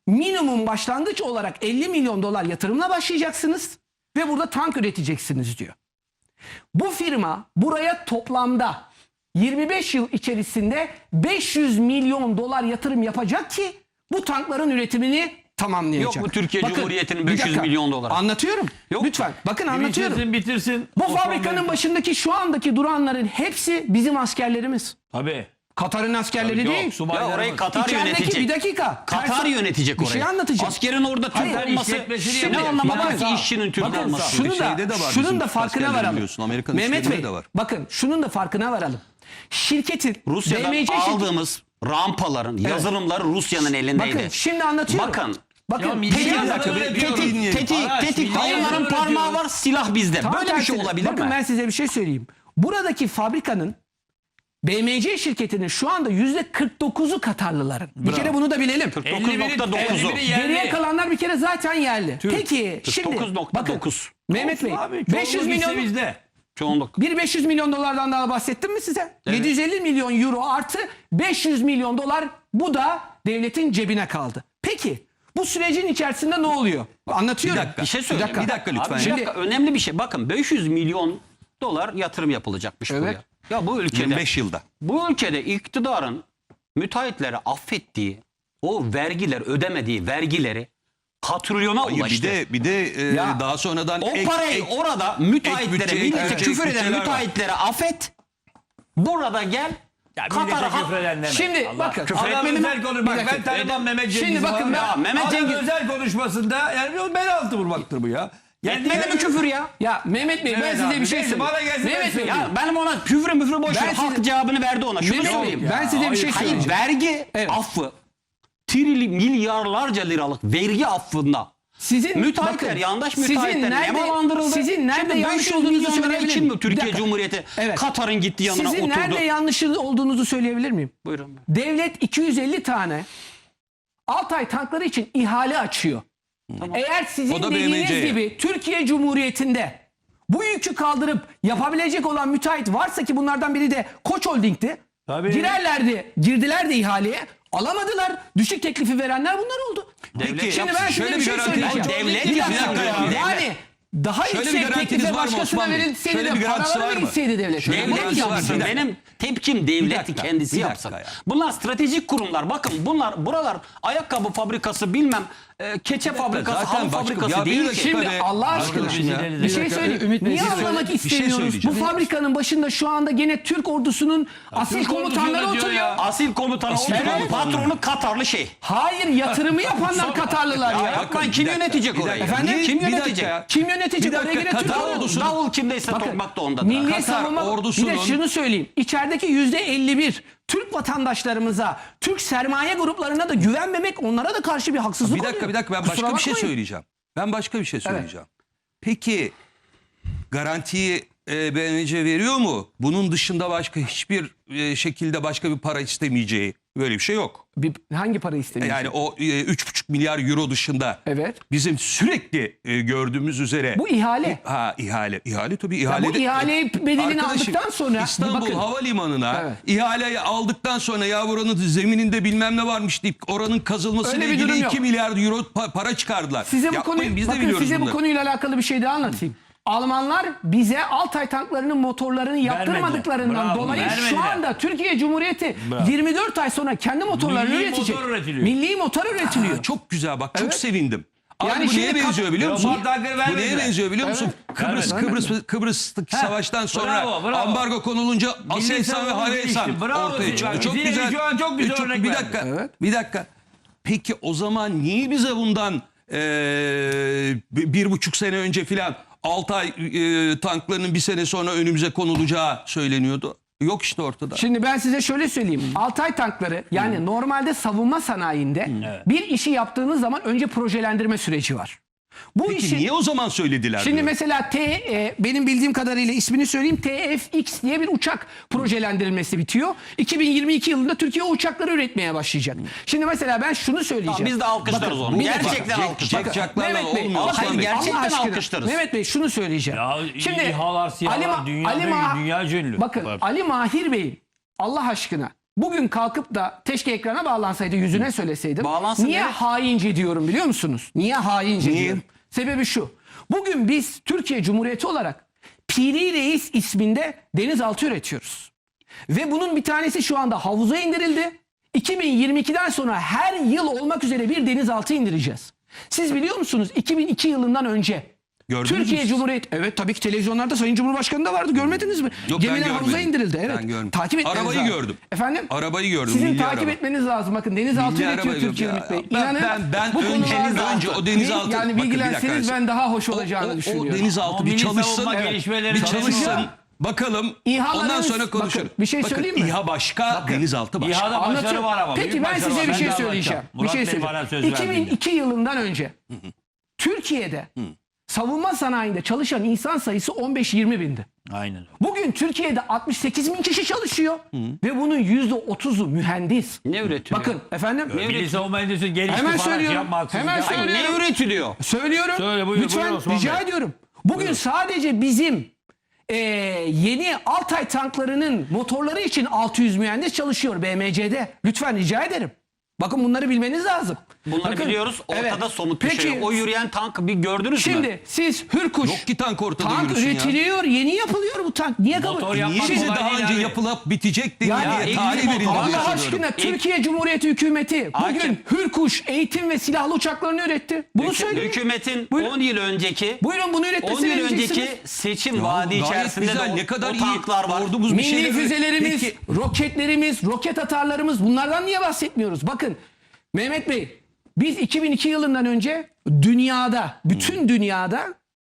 Speaker 2: minimum başlangıç olarak 50 milyon dolar yatırımla başlayacaksınız ve burada tank üreteceksiniz diyor. Bu firma buraya toplamda 25 yıl içerisinde 500 milyon dolar yatırım yapacak ki bu tankların üretimini tamamlayacak.
Speaker 4: Yok mu Türkiye Cumhuriyeti'nin
Speaker 2: bir
Speaker 4: 500
Speaker 2: dakika.
Speaker 4: milyon dolar?
Speaker 2: Anlatıyorum.
Speaker 4: Yok.
Speaker 2: Lütfen. Bakın anlatıyorum.
Speaker 5: Bitirsin.
Speaker 2: Bu
Speaker 5: Osman
Speaker 2: fabrikanın
Speaker 5: Bey.
Speaker 2: başındaki şu andaki duranların hepsi bizim askerlerimiz.
Speaker 5: Tabii.
Speaker 2: Katar'ın askerleri değil.
Speaker 4: Ya
Speaker 5: subaylarımız.
Speaker 4: orayı Katar
Speaker 2: İçerideki
Speaker 4: yönetecek.
Speaker 2: bir dakika.
Speaker 4: Katar yönetecek
Speaker 2: Bir
Speaker 4: orayı.
Speaker 2: şey anlatacağım.
Speaker 4: Askerin orada Türk
Speaker 2: Hayır,
Speaker 4: olması
Speaker 5: işletmesini
Speaker 4: ne
Speaker 5: yapacak.
Speaker 4: anlama var
Speaker 5: Bakın,
Speaker 4: ki işçinin Türk
Speaker 2: Bakın
Speaker 4: olması?
Speaker 2: şunu da,
Speaker 3: Şeyde de var
Speaker 2: şunun
Speaker 3: bizim
Speaker 2: da farkına
Speaker 3: askerlerin
Speaker 2: varalım.
Speaker 3: biliyorsun, Amerikan
Speaker 2: Mehmet
Speaker 3: askerleri
Speaker 2: Bey
Speaker 3: de var.
Speaker 2: bakın şunun da farkına varalım. Şirketin
Speaker 4: Rusya'dan
Speaker 2: BMC şirketi-
Speaker 4: aldığımız rampaların yazılımları Rusya'nın elindeydi.
Speaker 2: Bakın şimdi anlatıyorum.
Speaker 4: Bakın.
Speaker 2: Bakın
Speaker 5: Ya
Speaker 2: tetik-
Speaker 5: milli yazıları
Speaker 2: tetik-
Speaker 5: diyorum.
Speaker 4: Tetik
Speaker 5: Hayır,
Speaker 4: onların
Speaker 5: öyle
Speaker 4: parmağı
Speaker 5: diyoruz.
Speaker 4: var, silah bizde.
Speaker 2: Tam
Speaker 4: Böyle bir şey
Speaker 2: tersine.
Speaker 4: olabilir
Speaker 2: Bakın
Speaker 4: mi?
Speaker 2: ben size bir şey söyleyeyim. Buradaki fabrikanın BMC şirketinin şu anda %49'u Katarlıların. Bir kere bunu da bilelim.
Speaker 4: 49.9'u.
Speaker 2: Geriye kalanlar bir kere zaten yerli. Peki şimdi bakın
Speaker 4: 49.9.
Speaker 2: Mehmet Bey 500 milyon
Speaker 5: bizde.
Speaker 4: Çoğunluk.
Speaker 2: bir 500 milyon dolardan daha bahsettim mi size? 750 milyon euro artı 500 milyon dolar bu da devletin cebine kaldı. Peki bu sürecin içerisinde ne oluyor? Anlatıyorum.
Speaker 3: Bir dakika.
Speaker 4: Bir şey söyleyeyim.
Speaker 3: Bir dakika lütfen.
Speaker 4: Abi,
Speaker 3: ya.
Speaker 4: bir dakika, önemli bir şey. Bakın 500 milyon dolar yatırım yapılacakmış
Speaker 2: Evet.
Speaker 4: buraya. Ya bu ülkede
Speaker 3: 25 yılda.
Speaker 4: bu ülkede iktidarın müteahhitlere affettiği o vergiler, ödemediği vergileri katrilyona
Speaker 3: Hayır,
Speaker 4: ulaştı.
Speaker 3: bir de
Speaker 2: Ya,
Speaker 3: daha sonradan
Speaker 4: O parayı orada müteahhitlere,
Speaker 3: bütçe,
Speaker 4: millete
Speaker 3: ek
Speaker 4: küfür eden
Speaker 3: bütçeler var.
Speaker 4: müteahhitlere affet. Burada gel.
Speaker 5: Ya
Speaker 4: Katar'a
Speaker 5: millete küfreden deme.
Speaker 2: Şimdi bakın.
Speaker 5: Adam
Speaker 2: Küfretmedim.
Speaker 5: özel konuş. Bak
Speaker 2: Bir
Speaker 5: ben
Speaker 2: dakika.
Speaker 5: tanımam Mehmet Cengiz'i.
Speaker 2: Şimdi bakın
Speaker 5: falan.
Speaker 2: ben-
Speaker 5: Ya,
Speaker 4: Mehmet
Speaker 5: Adam
Speaker 4: Cengiz-
Speaker 5: özel konuşmasında yani o bel altı vurmaktır bu ya.
Speaker 4: Etmedi mi küfür ya?
Speaker 2: Ya Mehmet Bey ben
Speaker 5: Evet
Speaker 2: size
Speaker 5: abi,
Speaker 2: bir şey
Speaker 5: neyse,
Speaker 2: söyleyeyim.
Speaker 5: bana gelsin, ben
Speaker 2: Mehmet Bey
Speaker 5: söyleyeyim.
Speaker 4: Ya benim ona küfür müfür boş ver.
Speaker 2: Ben
Speaker 4: Halk
Speaker 2: size-
Speaker 4: cevabını verdi ona. Şunu
Speaker 2: Mehmet Bey,
Speaker 4: söyleyeyim.
Speaker 2: ben size bir şey
Speaker 4: Hayır,
Speaker 2: söyleyeceğim.
Speaker 4: vergi
Speaker 2: Evet.
Speaker 4: affı. Milyarlarca liralık vergi affında.
Speaker 2: Sizin
Speaker 4: Müteahhitler,
Speaker 2: bakın,
Speaker 4: yandaş
Speaker 2: sizin
Speaker 4: müteahhitler
Speaker 2: nerede-
Speaker 4: nemalandırıldı.
Speaker 2: Sizin nerede
Speaker 4: Şimdi
Speaker 2: yanlış
Speaker 4: 500
Speaker 2: olduğunuzu
Speaker 4: milyon lira
Speaker 2: söyleyebilir
Speaker 4: için
Speaker 2: miyim?
Speaker 4: mi Türkiye
Speaker 2: Bir dakika.
Speaker 4: Cumhuriyeti
Speaker 2: Evet.
Speaker 4: Katar'ın gitti yanına
Speaker 2: Sizin
Speaker 4: oturdu?
Speaker 2: nerede yanlış olduğunuzu söyleyebilir miyim?
Speaker 4: Buyurun.
Speaker 2: Devlet 250 tane Altay tankları için ihale açıyor. Eğer sizin
Speaker 3: O da
Speaker 2: dediğiniz
Speaker 3: BMC'ye.
Speaker 2: gibi Türkiye Cumhuriyeti'nde bu yükü kaldırıp yapabilecek olan müteahhit varsa ki bunlardan biri de Koç Holding'ti.
Speaker 5: Tabii.
Speaker 2: Girdiler de ihaleye. Alamadılar. Düşük teklifi verenler bunlar oldu.
Speaker 4: Devlet
Speaker 2: Şimdi ben size
Speaker 3: şöyle
Speaker 2: bir
Speaker 3: bir
Speaker 2: şey
Speaker 3: garanti-
Speaker 2: söyleyeceğim.
Speaker 4: Devlet
Speaker 2: Bir dakika.
Speaker 4: yapıyor ya.
Speaker 2: Yani daha
Speaker 3: Şöyle bir
Speaker 2: yüksek
Speaker 3: garantiniz
Speaker 2: teklife
Speaker 3: var mı
Speaker 2: başkasına
Speaker 3: Osman Bey?
Speaker 2: verilseydi
Speaker 3: Şöyle
Speaker 2: de
Speaker 3: bir garantisi
Speaker 2: paraları
Speaker 3: var mı?
Speaker 2: verilseydi devlet.
Speaker 3: Şöyle bir
Speaker 2: Bunu
Speaker 3: garantisi var.
Speaker 2: yapsın.
Speaker 3: Bir dakika.
Speaker 4: Benim tepkim devleti
Speaker 3: dakika,
Speaker 4: kendisi
Speaker 3: bir dakika
Speaker 4: yapsın.
Speaker 3: ya.
Speaker 4: Bunlar stratejik kurumlar. Bakın buralar ayakkabı fabrikası bilmem keçe fabrikası,
Speaker 3: zaten
Speaker 4: halı
Speaker 3: başka-
Speaker 4: fabrikası
Speaker 3: ya bir
Speaker 4: değil
Speaker 3: dakika
Speaker 4: ki.
Speaker 2: Şimdi
Speaker 3: be.
Speaker 2: Allah aşkına
Speaker 5: Arkadaşım ya.
Speaker 2: bir şey söyleyeyim.
Speaker 1: Ümit Bey,
Speaker 2: Niye
Speaker 1: siz
Speaker 2: anlamak
Speaker 3: bir şey
Speaker 2: istemiyoruz? Bu
Speaker 3: söyleyeceğim.
Speaker 2: fabrikanın başında şu anda gene Türk ordusunun asil
Speaker 5: Türk ordusu
Speaker 2: komutanları
Speaker 5: diyor
Speaker 2: oturuyor.
Speaker 5: ya.
Speaker 4: Asil komutanı,
Speaker 2: Evet.
Speaker 4: patronu Katarlı şey.
Speaker 2: Hayır yatırımı yapanlar Katarlılar ya.
Speaker 4: Yapmayın, kim yönetecek orayı?
Speaker 2: Efendim?
Speaker 4: Kim
Speaker 3: Bir dakika
Speaker 4: yönetecek?
Speaker 3: ya.
Speaker 2: Kim yönetecek?
Speaker 3: Bir dakika,
Speaker 2: Oraya gene Türk
Speaker 3: Katar
Speaker 2: ordusu.
Speaker 3: ordusu-
Speaker 4: Davul kimdeyse
Speaker 2: Bakın,
Speaker 4: tokmak da ondadır.
Speaker 2: Milli
Speaker 3: Katar
Speaker 2: savunma
Speaker 3: ordusunun-
Speaker 2: bir de şunu söyleyeyim. İçerideki %51 Türk vatandaşlarımıza, Türk sermaye gruplarına da güvenmemek onlara da karşı bir haksızlık
Speaker 3: Bir dakika
Speaker 2: oluyor.
Speaker 3: bir dakika ben
Speaker 2: Kusura
Speaker 3: başka bir şey
Speaker 2: bakmayın.
Speaker 3: söyleyeceğim. Ben başka bir şey söyleyeceğim. Peki garantiyi BMC veriyor mu? Bunun dışında başka hiçbir şekilde başka bir para istemeyeceği böyle bir şey yok.
Speaker 2: Hangi para istemiyor?
Speaker 3: Yani o 3,5 milyar euro dışında
Speaker 2: Evet.
Speaker 3: bizim sürekli gördüğümüz üzere.
Speaker 2: Bu ihale.
Speaker 3: İhale tabii
Speaker 2: Ya
Speaker 3: ihale.
Speaker 2: bu ihale bedelini
Speaker 3: Arkadaşım,
Speaker 2: aldıktan sonra
Speaker 3: İstanbul
Speaker 2: bakın.
Speaker 3: Havalimanı'na
Speaker 2: Evet.
Speaker 3: ihaleyi aldıktan sonra ya buranın zemininde bilmem ne varmış deyip oranın kazılmasıyla
Speaker 2: Öyle bir durum
Speaker 3: ilgili
Speaker 2: yok.
Speaker 3: 2 milyar euro para çıkardılar.
Speaker 2: Size bu
Speaker 3: Yapmayın,
Speaker 2: konuyu
Speaker 3: biz de
Speaker 2: bakın
Speaker 3: biliyoruz
Speaker 2: size bu
Speaker 3: bunları.
Speaker 2: konuyla alakalı bir şey daha anlatayım. Almanlar bize Altay tanklarının motorlarını yaptırmadıklarından
Speaker 5: Bravo,
Speaker 2: dolayı şu
Speaker 5: vermediler.
Speaker 2: anda Türkiye Cumhuriyeti
Speaker 5: Bravo.
Speaker 2: 24 ay sonra kendi motorlarını
Speaker 5: Milli
Speaker 2: üretecek.
Speaker 5: motor üretiliyor.
Speaker 2: Milli motor üretiliyor.
Speaker 3: Çok güzel bak çok
Speaker 2: Evet.
Speaker 3: sevindim. Abi
Speaker 2: Yani
Speaker 3: bu neye
Speaker 2: şimdi
Speaker 3: benziyor biliyor musun?
Speaker 5: Leopard tankları
Speaker 3: Bu neye
Speaker 5: vermediler.
Speaker 3: benziyor biliyor musun? Kıbrıs'taki savaştan sonra
Speaker 5: bravo.
Speaker 3: ambargo konulunca Aselsan ve
Speaker 5: savunma
Speaker 3: Havelsan
Speaker 5: gelişti. Bravo
Speaker 3: ortaya
Speaker 5: siz.
Speaker 3: çıktı.
Speaker 5: Bak,
Speaker 3: Çok
Speaker 5: Zira
Speaker 3: güzel.
Speaker 5: şu an çok güzel örnek
Speaker 3: bir
Speaker 5: verdi.
Speaker 3: dakika.
Speaker 2: Evet.
Speaker 3: Bir dakika. Peki o zaman niye bize bundan 1,5 sene önce filan Altay tanklarının bir sene sonra önümüze konulacağı söyleniyordu? Yok işte ortada.
Speaker 2: Şimdi ben size şöyle söyleyeyim. Altay tankları yani normalde savunma sanayinde bir işi yaptığınız zaman önce projelendirme süreci var. Bu
Speaker 3: Peki
Speaker 2: işin
Speaker 3: niye o zaman söylediler?
Speaker 2: Şimdi
Speaker 3: diyorum.
Speaker 2: mesela benim bildiğim kadarıyla ismini söyleyeyim TFX diye bir uçak projelendirilmesi bitiyor. 2022 yılında Türkiye o uçakları üretmeye başlayacak. Şimdi mesela ben şunu söyleyeceğim.
Speaker 4: Tamam, biz de alkışlarız onu.
Speaker 2: bir dakika.
Speaker 4: Gerçekten alkışlarız.
Speaker 3: Jack'larla
Speaker 2: Mehmet Bey,
Speaker 3: olmuyor.
Speaker 2: Allah
Speaker 3: Osman
Speaker 4: hayır,
Speaker 3: Bey.
Speaker 4: gerçekten
Speaker 2: Allah aşkına,
Speaker 4: alkışlarız.
Speaker 2: Mehmet Bey şunu söyleyeceğim.
Speaker 5: Ya, İHA'lar, SİHA'lar dünyada dünya ünlü.
Speaker 2: Bakın Ali Mahir Bey Allah aşkına bugün kalkıp da keşke ekrana bağlansaydı, yüzüne söyleseydim.
Speaker 4: Bağlansın
Speaker 2: Niye
Speaker 4: evet.
Speaker 2: haince diyorum biliyor musunuz? Niye haince diyorum? Sebebi şu. Bugün biz Türkiye Cumhuriyeti olarak Piri Reis isminde denizaltı üretiyoruz. Ve bunun bir tanesi şu anda havuza indirildi. 2022'den sonra her yıl olmak üzere bir denizaltı indireceğiz. Siz biliyor musunuz 2002 yılından önce
Speaker 3: Gördünüz
Speaker 2: Türkiye
Speaker 3: mü?
Speaker 2: Cumhuriyeti, evet tabii ki televizyonlarda Sayın Cumhurbaşkanı da vardı, görmediniz mi?
Speaker 3: Yok, ben
Speaker 2: Gemiler havuza
Speaker 3: görmedim.
Speaker 2: indirildi. Evet.
Speaker 3: Ben görmedim.
Speaker 2: Takip etmeniz
Speaker 3: Arabayı
Speaker 2: lazım.
Speaker 3: gördüm.
Speaker 2: Efendim?
Speaker 3: Arabayı gördüm.
Speaker 2: Sizin
Speaker 3: milli
Speaker 2: takip
Speaker 3: araba.
Speaker 2: etmeniz lazım. Bakın denizaltı
Speaker 3: Milli
Speaker 2: üretiyor
Speaker 3: araba
Speaker 2: Türkiye
Speaker 3: yok
Speaker 2: Ümit
Speaker 3: ya.
Speaker 2: Bey.
Speaker 3: Ben-
Speaker 2: İnanın
Speaker 3: ben
Speaker 2: bu
Speaker 3: önce o denizaltı-
Speaker 2: yani
Speaker 3: Bakın, bir
Speaker 2: bilgilenseniz
Speaker 3: dakika.
Speaker 2: ben daha hoş olacağını düşünüyorum.
Speaker 3: O denizaltı
Speaker 5: Ama
Speaker 3: bir
Speaker 5: milli
Speaker 3: çalışsın.
Speaker 5: savunma
Speaker 3: Evet.
Speaker 5: gelişmeleri
Speaker 3: Bir
Speaker 5: çalışıyor.
Speaker 3: çalışsın. Bakalım.
Speaker 2: İHA'larınız-
Speaker 3: Ondan sonra konuşuruz.
Speaker 2: bakın, bir şey söyleyeyim mi?
Speaker 3: İHA başka, denizaltı başka.
Speaker 5: İHA'da başarı
Speaker 2: Anlatıyorum.
Speaker 5: var ama.
Speaker 2: Peki
Speaker 5: büyük
Speaker 2: ben
Speaker 5: başarı
Speaker 2: size
Speaker 5: var.
Speaker 2: bir
Speaker 5: Ben
Speaker 2: şey
Speaker 5: de
Speaker 2: söyleyeceğim.
Speaker 5: anlatacağım. Murat Bey bana söz verdi.
Speaker 2: 2002 yılından önce Türkiye'de savunma sanayinde çalışan insan sayısı 15-20 bindi.
Speaker 5: Aynen öyle.
Speaker 2: Bugün Türkiye'de 68 bin kişi çalışıyor ve bunun %30'u mühendis.
Speaker 4: Ne üretiyor?
Speaker 2: Bakın efendim.
Speaker 5: Milli savunma endüstrisi gelişti
Speaker 2: Hemen
Speaker 5: falan. şey
Speaker 2: söylüyorum.
Speaker 5: yapma, haksızlık
Speaker 2: Hemen
Speaker 5: yapma.
Speaker 2: söylüyorum.
Speaker 4: Ne üretiliyor?
Speaker 2: Söylüyorum.
Speaker 5: Söyle, buyur,
Speaker 2: Lütfen
Speaker 5: buyur Osman
Speaker 2: rica
Speaker 5: Bey.
Speaker 2: ediyorum. Bugün sadece bizim yeni Altay tanklarının motorları için 600 mühendis çalışıyor BMC'de. Lütfen rica ederim. Bakın bunları bilmeniz lazım.
Speaker 4: Bunları
Speaker 2: Bakın,
Speaker 4: biliyoruz. Ortada
Speaker 2: evet.
Speaker 4: somut bir
Speaker 2: Peki,
Speaker 4: şey yok. O yürüyen tankı bir gördünüz mü?
Speaker 2: şimdi siz Hürkuş
Speaker 3: Yok ki tank ortada
Speaker 2: tank
Speaker 3: yürüsün ya.
Speaker 2: üretiliyor, yeni yapılıyor bu tank. Niye kabul?
Speaker 5: Motor yapmak
Speaker 3: Niye bize
Speaker 5: kolay
Speaker 3: daha
Speaker 5: değil
Speaker 3: önce
Speaker 5: abi.
Speaker 3: yapılıp bitecekti
Speaker 2: Yani
Speaker 3: diye tarih verildi.
Speaker 2: Allah aşkına Türkiye Cumhuriyeti hükümeti bugün
Speaker 4: Hakim.
Speaker 2: Hürkuş eğitim ve silahlı uçaklarını üretti. Bunu söyleyin.
Speaker 4: Hükümetin
Speaker 2: Buyurun.
Speaker 4: 10 yıl önceki
Speaker 2: Buyurun bunu
Speaker 4: 10
Speaker 2: üretmesini
Speaker 4: yıl önceki
Speaker 2: vereceksiniz.
Speaker 4: seçim vaadi
Speaker 3: Gayet
Speaker 4: içerisinde
Speaker 3: güzel,
Speaker 4: de o,
Speaker 3: ne kadar
Speaker 4: o
Speaker 3: iyi
Speaker 4: tanklar var.
Speaker 3: ordumuz bir
Speaker 2: Milli
Speaker 3: şeyler.
Speaker 2: füzelerimiz,
Speaker 3: Peki,
Speaker 2: roketlerimiz, roket atarlarımız bunlardan niye bahsetmiyoruz? Bakın Mehmet Bey biz 2002 yılından önce dünyada, bütün dünyada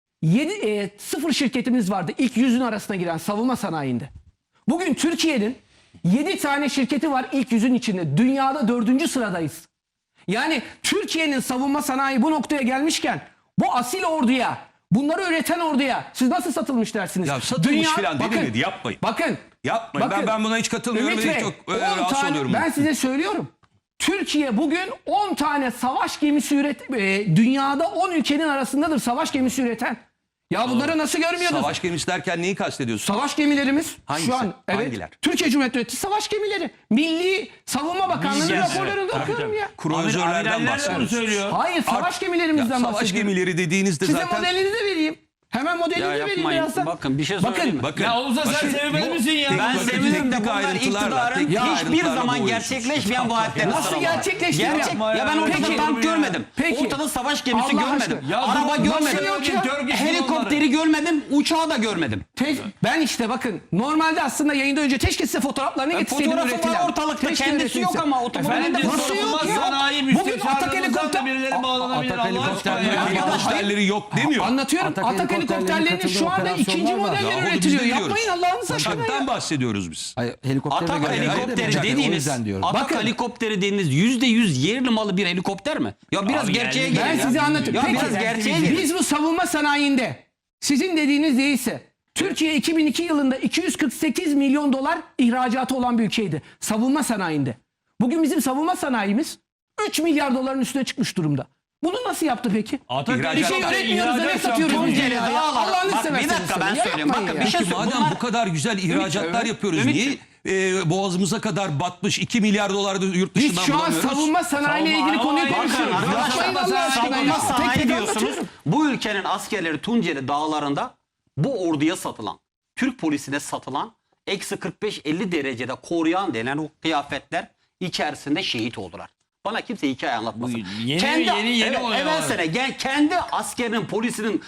Speaker 2: 0 şirketimiz vardı. İlk 100'ün arasına giren savunma sanayinde. Bugün Türkiye'nin 7 tane şirketi var ilk 100'ün içinde. Dünyada 4. sıradayız. Yani Türkiye'nin savunma sanayi bu noktaya gelmişken bu asil orduya, bunları üreten orduya siz nasıl satılmış dersiniz?
Speaker 3: Ya satılmış falan denilmedi, yapmayın.
Speaker 2: Bakın.
Speaker 3: Yapmayın.
Speaker 2: Bakın,
Speaker 3: Ben buna hiç katılmıyorum
Speaker 2: Ümit
Speaker 3: ve
Speaker 2: Bey,
Speaker 3: çok
Speaker 2: 10
Speaker 3: rahatsız
Speaker 2: tane,
Speaker 3: oluyorum.
Speaker 2: ben size söylüyorum. Türkiye bugün 10 tane savaş gemisi dünyada 10 ülkenin arasındadır savaş gemisi üreten. Ya bunları nasıl görmüyordunuz?
Speaker 3: Savaş gemisi derken neyi kastediyorsun?
Speaker 2: Savaş gemilerimiz
Speaker 3: Hangisi?
Speaker 2: şu an evet,
Speaker 3: Hangiler?
Speaker 2: Türkiye Cumhuriyeti ürettiği savaş gemileri. Milli Savunma Bakanlığı'nın
Speaker 5: Milli-
Speaker 2: raporlarını
Speaker 5: evet,
Speaker 2: okuyorum
Speaker 5: tabii,
Speaker 2: ya.
Speaker 3: Kruvazörlerden
Speaker 5: Amiraller de bunu
Speaker 3: bahsediyoruz.
Speaker 5: söylüyor.
Speaker 2: Hayır savaş gemilerimizden
Speaker 3: Savaş
Speaker 2: bahsediyorum.
Speaker 3: gemileri dediğinizde
Speaker 2: Size
Speaker 3: zaten...
Speaker 2: modelini de vereyim. Hemen modelini
Speaker 4: Ya
Speaker 2: de vereyim
Speaker 4: yapmayın.
Speaker 2: birazdan.
Speaker 4: Bakın bir şey
Speaker 2: Bakın,
Speaker 4: söyleyeyim mi?
Speaker 3: Bakın,
Speaker 5: Ya olsa sen sevmez misin ya?
Speaker 4: Ben
Speaker 3: Bakın,
Speaker 4: sevinirim de
Speaker 3: teknik
Speaker 4: bunlar
Speaker 3: ayrıntılarla,
Speaker 4: iktidarın
Speaker 3: teknik
Speaker 4: hiçbir
Speaker 3: ayrıntılarla
Speaker 4: zaman
Speaker 3: boğuyorsunuz.
Speaker 4: gerçekleşmeyen vaatlerini
Speaker 2: Nasıl
Speaker 4: sıralama.
Speaker 2: gerçekleşmiyor ya?
Speaker 4: Ya ben
Speaker 5: Yapma
Speaker 4: ortada
Speaker 2: ya.
Speaker 4: tank görmedim.
Speaker 2: Peki.
Speaker 4: Ortada savaş gemisi
Speaker 2: Allah
Speaker 4: görmedim.
Speaker 2: aşkına.
Speaker 5: Ya
Speaker 4: Araba
Speaker 5: nasıl
Speaker 4: görmedim.
Speaker 2: yok ya?
Speaker 4: Helikopteri görmedim. Uçağı da görmedim.
Speaker 2: Ben işte bakın normalde aslında yayında önce keşke size fotoğraflarını getirseydim
Speaker 4: Fotoğrafı
Speaker 2: üretilen.
Speaker 4: var ortalıkta.
Speaker 2: Keşke
Speaker 4: Kendisi yok
Speaker 2: üretilse.
Speaker 4: ama otomobilde
Speaker 5: Efendim
Speaker 2: Nasıl yok
Speaker 5: savunma
Speaker 2: ya?
Speaker 5: sanayi
Speaker 2: Bugün
Speaker 5: müsteşarlığından
Speaker 2: Atak
Speaker 5: da birileri bağlanabilir.
Speaker 1: Atak
Speaker 5: Allah aşkına
Speaker 1: helikopterleri-
Speaker 5: ya.
Speaker 3: Helikopterleri yok demiyor.
Speaker 2: Anlatıyorum.
Speaker 1: Atak
Speaker 2: Atak helikopterlerinin
Speaker 1: helikopterlerinin
Speaker 2: şu anda
Speaker 1: katıldığı
Speaker 2: ikinci
Speaker 1: operasyonlar var.
Speaker 2: modelleri
Speaker 3: Yahu biz
Speaker 2: üretiliyor.
Speaker 3: de
Speaker 2: Yapmayın
Speaker 3: biliyoruz.
Speaker 2: Allah'ınız aşkına ya.
Speaker 3: Uçaktan bahsediyoruz biz.
Speaker 1: Hayır, helikoptere
Speaker 4: Atak
Speaker 1: göre
Speaker 4: helikopteri
Speaker 1: uçak, o
Speaker 4: dediğiniz,
Speaker 1: yüzden diyorum.
Speaker 4: Atak
Speaker 2: Bakın.
Speaker 4: helikopteri dediğiniz %100 yerli malı bir helikopter mi? Ya biraz
Speaker 5: Abi
Speaker 4: gerçeğe
Speaker 5: geldi.
Speaker 4: gelin
Speaker 2: Ben
Speaker 4: ya.
Speaker 2: size anlatıyorum.
Speaker 4: Ya biraz
Speaker 2: Peki,
Speaker 4: gerçeğe gelin.
Speaker 2: biz bu savunma sanayinde sizin dediğiniz değilse Türkiye 2002 yılında 248 milyon dolar ihracatı olan bir ülkeydi. Savunma sanayinde. Bugün bizim savunma sanayimiz 3 milyar doların üstüne çıkmış durumda. Bunu nasıl yaptı peki?
Speaker 5: Atak
Speaker 2: Bir şey
Speaker 5: helikopter
Speaker 2: üretmiyoruz da ne
Speaker 5: ihracat
Speaker 2: satıyoruz
Speaker 5: yaptı.
Speaker 2: biz
Speaker 4: Tunceli
Speaker 2: ya?
Speaker 4: Dağlar.
Speaker 2: Allah'ını
Speaker 4: Bak, bir
Speaker 2: severseniz
Speaker 4: dakika ben
Speaker 2: ya,
Speaker 4: söyleyeyim.
Speaker 2: yapmayın
Speaker 4: Bakın
Speaker 2: ya.
Speaker 4: bir şey
Speaker 3: Peki madem
Speaker 4: bunlar-
Speaker 3: bu kadar güzel ihracatlar yapıyoruz, niye boğazımıza kadar batmış 2 milyar dolar da yurt
Speaker 2: Biz
Speaker 3: dışından
Speaker 2: şu an
Speaker 3: bulamıyoruz?
Speaker 2: savunma sanayiyle
Speaker 5: Savunma-
Speaker 2: ilgili konuyu
Speaker 5: Bakın
Speaker 2: konuşuyoruz.
Speaker 4: arkadaşlar,
Speaker 2: Yapmayın Allah aşkına
Speaker 4: savunma
Speaker 2: ya.
Speaker 4: sanayi
Speaker 2: Tek tek
Speaker 4: diyorsunuz.
Speaker 2: anlatıyorum.
Speaker 4: Bu ülkenin askerleri Tunceli dağlarında bu orduya satılan, Türk polisine satılan eksi 45-50 derecede koruyan denen o kıyafetler içerisinde şehit oldular. Bana kimse hikaye anlatmasın.
Speaker 5: Bu yeni oluyor.
Speaker 4: Evvel sene kendi askerinin, polisinin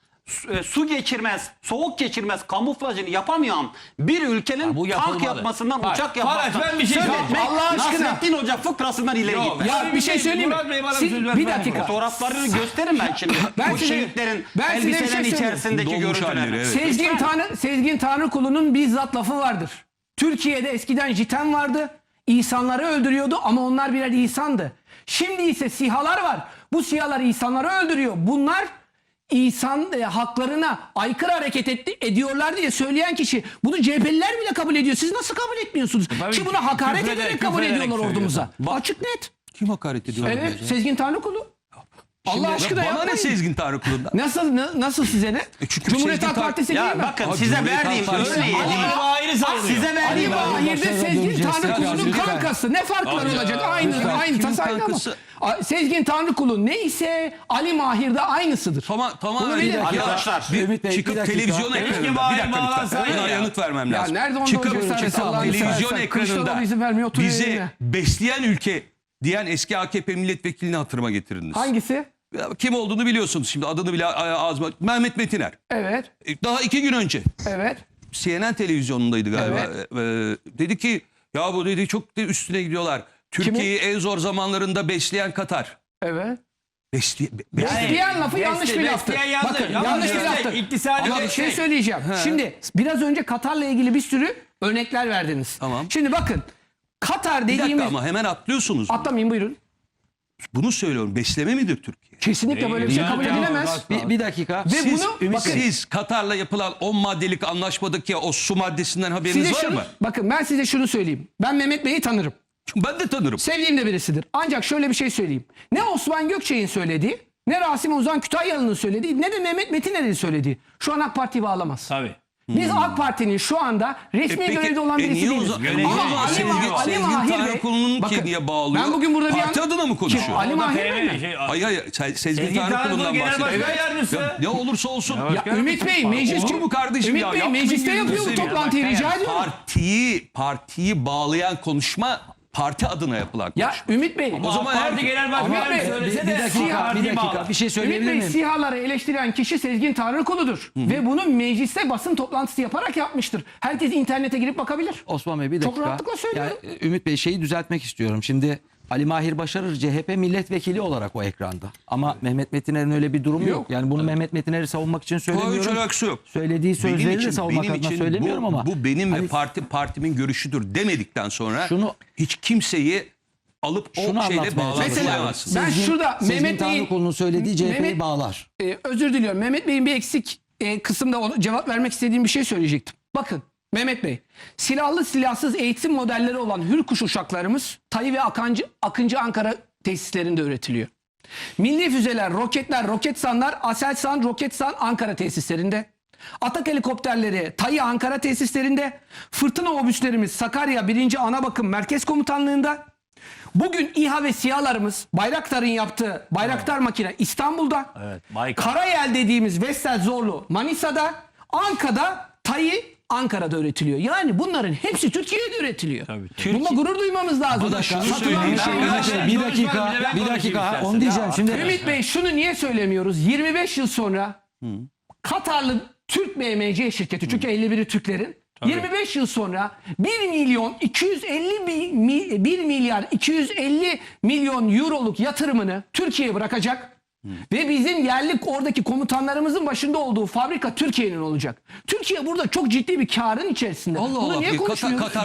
Speaker 4: su geçirmez, soğuk geçirmez kamuflajını yapamayan bir ülkenin
Speaker 5: bu
Speaker 4: tank
Speaker 5: yapılmalı.
Speaker 4: yapmasından,
Speaker 5: Bak,
Speaker 4: uçak
Speaker 5: Faraş,
Speaker 4: yapmasından
Speaker 5: ben bir şey
Speaker 4: söz etmek
Speaker 2: Allah aşkına.
Speaker 4: Nasrettin Hoca fıkrasından ileri
Speaker 5: Yok,
Speaker 4: gitmez.
Speaker 2: Ya bir şey söyleyeyim mi?
Speaker 5: Murat Bey bana
Speaker 2: Siz-
Speaker 5: söz
Speaker 2: bir
Speaker 5: vermez.
Speaker 2: dakika.
Speaker 4: Fotoğraflarını gösterin ben şimdi.
Speaker 2: Ben
Speaker 4: Bu
Speaker 2: size-
Speaker 4: şehitlerin
Speaker 2: ben size bir şey
Speaker 4: elbiselerin
Speaker 2: söyleyeyim.
Speaker 4: içerisindeki
Speaker 3: Dolmuş
Speaker 4: görüntüler.
Speaker 3: halleri, evet.
Speaker 2: Sezgin Tanrıkulu'nun bizzat lafı vardır. Türkiye'de eskiden jiten vardı. İnsanları öldürüyordu ama onlar birer insandı. Şimdi ise SİHA'lar var. Bu SİHA'lar insanları öldürüyor. Bunlar insan haklarına aykırı hareket ediyorlar diye söyleyen kişi bunu CHP'liler bile kabul ediyor. Siz nasıl kabul etmiyorsunuz?
Speaker 5: Tabii
Speaker 2: Ki buna hakaret
Speaker 5: küfrederek,
Speaker 2: ederek kabul
Speaker 5: küfrederek
Speaker 2: ediyorlar
Speaker 5: söylüyor.
Speaker 2: ordumuza. Açık net.
Speaker 3: Kim hakaret ediyor?
Speaker 2: Evet, Sezgin Tanrıkulu. Allah aşkına
Speaker 3: Bana ne
Speaker 2: yapmayın.
Speaker 3: Sezgin Tanrıkulu'ndan?
Speaker 2: Nasıl size ne?
Speaker 3: çünkü
Speaker 2: Cumhuriyet
Speaker 3: Sezgin
Speaker 2: Halk Partisi değil
Speaker 5: Ya
Speaker 2: mi?
Speaker 5: bakın
Speaker 3: Abi,
Speaker 5: size
Speaker 3: Cumhuriyet
Speaker 5: verdiğim
Speaker 3: Halk Partisi-
Speaker 5: örneği
Speaker 2: Ali
Speaker 5: ayrı savunuyor.
Speaker 2: Size
Speaker 5: Ali
Speaker 2: verdiğim Mahir'de
Speaker 1: başlarına
Speaker 2: Sezgin
Speaker 1: döneceğiz.
Speaker 2: Tanrıkulu'nun
Speaker 3: Lütfen.
Speaker 2: kankası. Ne fark var
Speaker 3: Abi
Speaker 2: olacak?
Speaker 3: ya,
Speaker 2: Aynı
Speaker 3: lütfen. Kimin
Speaker 2: tasayla ama.
Speaker 3: kankası?
Speaker 2: Sezgin Tanrıkulu neyse Ali Mahir'de aynısıdır.
Speaker 3: Tamam.
Speaker 2: Bunu bilin.
Speaker 5: Arkadaşlar,
Speaker 1: Ümit Bey, bir
Speaker 3: çıkıp
Speaker 1: dakika.
Speaker 3: televizyon
Speaker 5: Keşke
Speaker 3: ekranında
Speaker 5: Mahir
Speaker 3: bir dakika
Speaker 5: bağlansaydı
Speaker 3: lütfen. Buna
Speaker 5: ya.
Speaker 3: yanıt vermem
Speaker 2: Ya
Speaker 3: lazım.
Speaker 2: nerede onda
Speaker 3: Çıkıp
Speaker 2: olacak zaten, Allah'ını
Speaker 3: televizyon
Speaker 2: seversen. Kılıçdaroğlu
Speaker 3: ekranında
Speaker 2: izin vermiyor, oturuyor
Speaker 3: bizi
Speaker 2: yerine.
Speaker 3: besleyen ülke diyen eski AKP milletvekilini hatırıma getirdiniz.
Speaker 2: Hangisi?
Speaker 3: Ya, kim olduğunu biliyorsunuz şimdi, adını bile ağzıma. Mehmet Metiner.
Speaker 2: Evet.
Speaker 3: Daha 2 gün önce
Speaker 2: Evet.
Speaker 3: CNN televizyonundaydı galiba. Dedi ki ya bu dedi çok da üstüne gidiyorlar. Türkiye'yi en zor zamanlarında besleyen Katar.
Speaker 2: Evet.
Speaker 5: Yani,
Speaker 2: lafı yanlış bir laftı.
Speaker 5: besleyen yanlış.
Speaker 2: Bakın
Speaker 5: Ama
Speaker 2: yanlış bir
Speaker 5: işte
Speaker 2: laftı.
Speaker 5: iktisadi
Speaker 2: Ama
Speaker 5: bir
Speaker 2: bir şey
Speaker 5: şey.
Speaker 2: söyleyeceğim. Şimdi biraz önce Katar'la ilgili bir sürü örnekler verdiniz.
Speaker 3: Tamam.
Speaker 2: Şimdi bakın Katar
Speaker 3: Bir dakika
Speaker 2: dediğimiz...
Speaker 3: ama hemen atlıyorsunuz.
Speaker 2: Atlamayın buyurun.
Speaker 3: Bunu söylüyorum. Besleme midir Türkiye?
Speaker 2: Kesinlikle böyle bir şey kabul edilemez.
Speaker 1: Bir dakika.
Speaker 2: Ve bunu bakın
Speaker 3: Siz Katar'la yapılan 10 maddelik anlaşmadaki o su maddesinden haberiniz
Speaker 2: size
Speaker 3: var
Speaker 2: şunu,
Speaker 3: mı?
Speaker 2: bakın ben size şunu söyleyeyim. Ben Mehmet Bey'i tanırım.
Speaker 3: Çünkü ben de tanırım.
Speaker 2: Sevdiğim de birisidir. Ancak şöyle bir şey söyleyeyim. Ne Osman Gökçek'in söylediği, ne Rasim Ozan Kütahyalı'nın söylediği, ne de Mehmet Metiner'in söylediği şu an AK Parti'yi bağlamaz.
Speaker 5: Tabii.
Speaker 2: Biz AK Parti'nin şu anda resmi görevde olan birisi
Speaker 3: niye o
Speaker 2: değiliz.
Speaker 3: zaman-
Speaker 5: Yönetici-
Speaker 2: Ama Ali
Speaker 3: Sezgin
Speaker 2: Mahir Bey...
Speaker 3: Tanrıkulu'nun
Speaker 2: Bakın,
Speaker 3: ki niye bağlıyor?
Speaker 2: ben bugün burada bir
Speaker 3: Parti
Speaker 2: an-
Speaker 3: adına mı konuşuyor?
Speaker 2: Kim? Ali
Speaker 5: Orada
Speaker 2: Mahir Bey
Speaker 5: PMV
Speaker 2: mi?
Speaker 3: Hayır. Sezgin
Speaker 5: Sezgin Tanrıkulu
Speaker 3: Tanrıkulu'ndan
Speaker 5: Genel
Speaker 3: bahsediyorum.
Speaker 5: Başkan Yardımcısı.
Speaker 3: Ya, ne olursa olsun.
Speaker 2: Ümit Bey meclis
Speaker 3: Olur mu kardeşim
Speaker 2: Ümit
Speaker 3: ya?
Speaker 2: Bey
Speaker 3: Yapmayın
Speaker 2: mecliste
Speaker 3: gözünü
Speaker 2: yapıyor bu
Speaker 3: seveyim.
Speaker 2: toplantıyı rica ediyorum.
Speaker 3: Partiyi bağlayan konuşma parti adına yapılan
Speaker 2: Ya
Speaker 3: konuşma.
Speaker 2: Ümit Bey.
Speaker 3: O zaman
Speaker 5: Parti
Speaker 3: her
Speaker 5: Genel
Speaker 2: Ümit
Speaker 5: Başkanı
Speaker 2: Bey,
Speaker 5: söylese
Speaker 1: Bir
Speaker 5: de
Speaker 1: dakika, bir şey
Speaker 2: Ümit
Speaker 1: söyleyebilir
Speaker 2: Bey
Speaker 1: miyim?
Speaker 2: SİHA'ları eleştiren kişi Sezgin Tanrıkulu'dur. Ve bunu mecliste basın toplantısı yaparak yapmıştır. Herkes internete girip bakabilir.
Speaker 1: Osman Bey bir
Speaker 2: Çok
Speaker 1: dakika.
Speaker 2: rahatlıkla söylüyorum.
Speaker 1: Yani, Ümit Bey şeyi düzeltmek istiyorum. Şimdi Ali Mahir Başarır CHP milletvekili olarak o ekranda. Ama Mehmet Metiner'in öyle bir durumu yok. Yani bunu Mehmet Metiner'i savunmak için
Speaker 3: hiç
Speaker 1: söylemiyorum.
Speaker 3: alakası yok.
Speaker 1: Söylediği sözleri de savunmak adına söylemiyorum ama.
Speaker 3: bu benim
Speaker 1: Hani
Speaker 3: ve partimin görüşüdür demedikten sonra
Speaker 1: Şunu-
Speaker 3: hiç kimseyi alıp o
Speaker 1: Şunu
Speaker 3: şeyle
Speaker 1: anlatmaya
Speaker 3: bağlamazsınız.
Speaker 2: Ben şurada
Speaker 1: Sezgin
Speaker 2: Mehmet Bey'in...
Speaker 1: Tanrıkulu'nun söylediği CHP'yi
Speaker 2: Mehmet-
Speaker 1: bağlar.
Speaker 2: Özür diliyorum. Mehmet Bey'in bir eksik kısımda cevap vermek istediğim bir şey söyleyecektim. Bakın Mehmet Bey, silahlı silahsız eğitim modelleri olan Hürkuş uçaklarımız Tayı ve Akıncı Ankara tesislerinde üretiliyor. Milli füzeler, roketler, Roketsanlar, Aselsan, Roketsan Ankara tesislerinde. Atak helikopterleri Tayı Ankara tesislerinde. Fırtına obüslerimiz Sakarya 1. Anabakım Merkez Komutanlığı'nda. Bugün İHA ve SİHA'larımız Bayraktar'ın yaptığı Bayraktar makine İstanbul'da.
Speaker 5: Evet, Baykar.
Speaker 2: Karayel dediğimiz Vestel Zorlu Manisa'da. Anka'da Tayı Ankara'da üretiliyor. Yani bunların hepsi Türkiye'de üretiliyor. Bununla gurur duymamız lazım.
Speaker 3: Bana şunu
Speaker 2: Satılan
Speaker 3: söyleyin.
Speaker 2: bir şey
Speaker 3: Ben-
Speaker 2: yok.
Speaker 1: Bir dakika, bir dakika. Onu diyeceğim. Şimdi
Speaker 2: Ümit Bey şunu niye söylemiyoruz? 25 yıl sonra Katarlı Türk BMC şirketi çünkü 51'i Türklerin 25 yıl sonra 1 milyar 250 milyon euroluk yatırımını Türkiye'ye bırakacak. Ve bizim yerli oradaki komutanlarımızın başında olduğu fabrika Türkiye'nin olacak. Türkiye burada çok ciddi bir karın içerisinde.
Speaker 3: Allah
Speaker 2: Bunu
Speaker 3: Allah.
Speaker 2: niye konuşmuyoruz?
Speaker 3: Katar